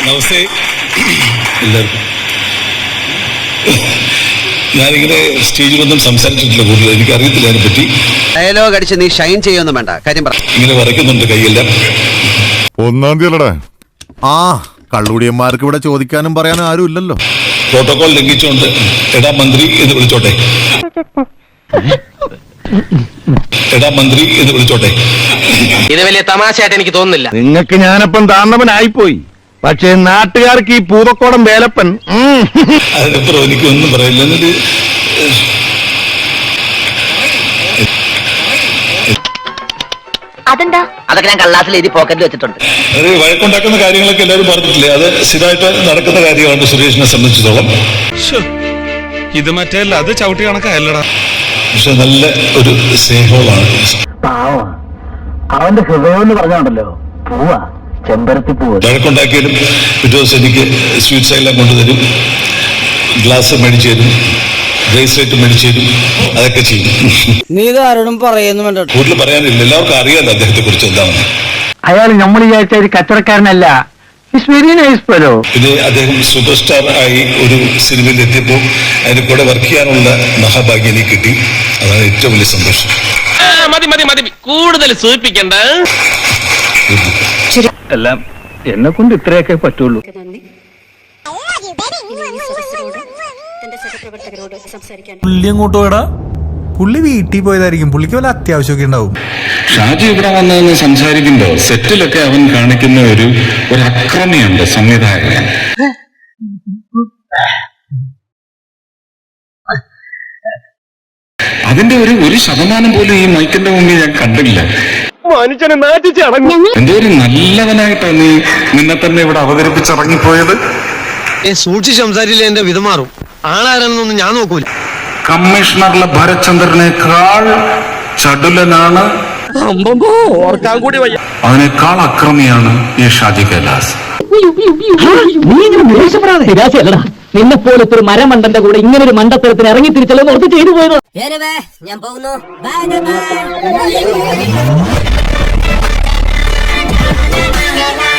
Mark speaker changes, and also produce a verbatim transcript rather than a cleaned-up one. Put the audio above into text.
Speaker 1: നമസ്തേ എല്ലാവർക്കും. ഞാനിങ്ങനെ സ്റ്റേജിലൊന്നും സംസാരിച്ചിട്ടില്ല കൂടുതൽ, എനിക്ക് അറിയത്തില്ല അതിനെപ്പറ്റി.
Speaker 2: ഡയലോഗ് അടിച്ച് നീ ഷൈൻ ചെയ്യൊന്നും വേണ്ട, കാര്യം പറ.
Speaker 1: ഇങ്ങനെ വരയ്ക്കുന്നുണ്ട് കൈയെല്ലാം.
Speaker 3: ഒന്നാം തീയതിയല്ലടാ. ആ കള്ളുടിയന്മാർക്ക് ഇവിടെ ചോദിക്കാനും പറയാനും ആരും ഇല്ലല്ലോ.
Speaker 1: പ്രോട്ടോകോൾ ലംഘിച്ചുകൊണ്ട് എടാ മന്ത്രി എന്ന് വിളിച്ചോട്ടെ, എടാ മന്ത്രി എന്ന് വിളിച്ചോട്ടെ.
Speaker 4: ഇത് വലിയ തമാശയായിട്ട് എനിക്ക് തോന്നുന്നില്ല.
Speaker 5: നിങ്ങൾക്ക് ഞാനപ്പം താന്നവനായിപ്പോയി, പക്ഷേ നാട്ടുകാർക്ക് ഈ പൂതക്കോടം വേലപ്പൻ.
Speaker 1: അതിനപ്പുറം എനിക്കൊന്നും പറയില്ല. എന്നിട്ട്
Speaker 6: അതെന്താ? അതൊക്കെ ഞാൻ കള്ളാസിൽ എഴുതി പോക്കറ്റിൽ വെച്ചിട്ടുണ്ട്.
Speaker 1: അത് വഴക്കുണ്ടാക്കുന്ന കാര്യങ്ങളൊക്കെ എല്ലാവരും പറഞ്ഞിട്ടില്ലേ, അത് സ്ഥിരമായിട്ട് നടക്കുന്ന കാര്യമാണ് സുരേഷിനെ സംബന്ധിച്ചിടത്തോളം.
Speaker 7: ഇത് മറ്റേ അത് ചവിട്ടി കണക്കല്ലടാ.
Speaker 1: പക്ഷെ നല്ല ഒരു സ്നേഹവുമാണ്.
Speaker 5: അവന്റെ ഹൃദയം എന്ന് പറഞ്ഞാണ്ടല്ലോ പൂവാ, ചെമ്പരത്തി പൂവ്.
Speaker 1: വഴക്കുണ്ടാക്കിയാലും പിറ്റേ ദിവസം എനിക്ക് സ്വീറ്റ്സ് എല്ലാം കൊണ്ടുതരും, ഗ്ലാസ് മേടിച്ചു തരും, ബ്രേസ്ലെറ്റ് മേടിച്ചു തരും, അതൊക്കെ ചെയ്യും.
Speaker 8: നീ ആരോടും പറയുന്നു വേണ്ട,
Speaker 1: കൂടുതൽ പറയാനില്ല, എല്ലാവർക്കും അറിയാലോ അദ്ദേഹത്തെ കുറിച്ച് എന്താണെന്ന്.
Speaker 5: അയാൾ നമ്മൾ വിചാരിച്ച ഒരു കച്ചവടക്കാരനല്ല. Very nice fellow.
Speaker 1: പിന്നെ അദ്ദേഹം സൂപ്പർ സ്റ്റാർ ആയി ഒരു സിനിമയിൽ എത്തിയപ്പോൾ അതിന് കൂടെ വർക്ക് ചെയ്യാനുള്ള മഹാഭാഗ്യം എനിക്ക് കിട്ടി. അതാണ് ഏറ്റവും വലിയ സന്തോഷം.
Speaker 4: മതി മതി മതി, കൂടുതൽ സൂചിപ്പിക്കണ്ട.
Speaker 5: എല്ലാം എന്നെ കൊണ്ട് ഇത്രയൊക്കെ പറ്റുള്ളൂ.
Speaker 9: പുള്ളി അങ്ങോട്ട് പോയടാ, പുള്ളി വീട്ടിൽ പോയതായിരിക്കും, പുള്ളിക്ക് വല്ല അത്യാവശ്യമൊക്കെ ഉണ്ടാവും.
Speaker 10: ഷാജി ഇവിടെ വന്നതെന്ന് സംസാരിക്കുമ്പോ സെറ്റിലൊക്കെ അവൻ കാണിക്കുന്ന ഒരു ഒരു അക്രമിയുണ്ട് സംവിധായകൻ. അതിന്റെ ഒരു ഒരു ശതമാനം പോലും ഈ മൈക്കിന്റെ മുമ്പിൽ ഞാൻ കണ്ടില്ല.
Speaker 5: മനുഷ്യനെ നാട്ടിച്ചടങ്ങും.
Speaker 10: എന്തോ ഒരു നല്ലവനായിട്ടാണ് നീ നിന്നെ തന്നെ ഇവിടെ അവതരിപ്പിച്ചിറങ്ങിപ്പോയത്.
Speaker 2: സൂക്ഷിച്ച് സംസാരിച്ചില്ല എന്റെ വിധമാറും. ആളാരെന്നൊന്നും ഞാൻ നോക്കൂല.
Speaker 10: കമ്മീഷണറിലെ ഭരത്ചന്ദ്രനേക്കാൾ ചടുലനാണ്, അവനേക്കാൾ അക്രമിയാണ് ഈ ഷാജി കൈലാസ്.
Speaker 8: നിന്നെ പോലത്തെ ഒരു മരമണ്ടന്റെ കൂടെ ഇങ്ങനെ ഒരു മണ്ടത്തരത്തിന് ഇറങ്ങി തിരിച്ചല്ലോ ഓർത്ത് ചെയ്തു പോയത്.
Speaker 6: ഞാൻ പോകുന്നു. Bye by.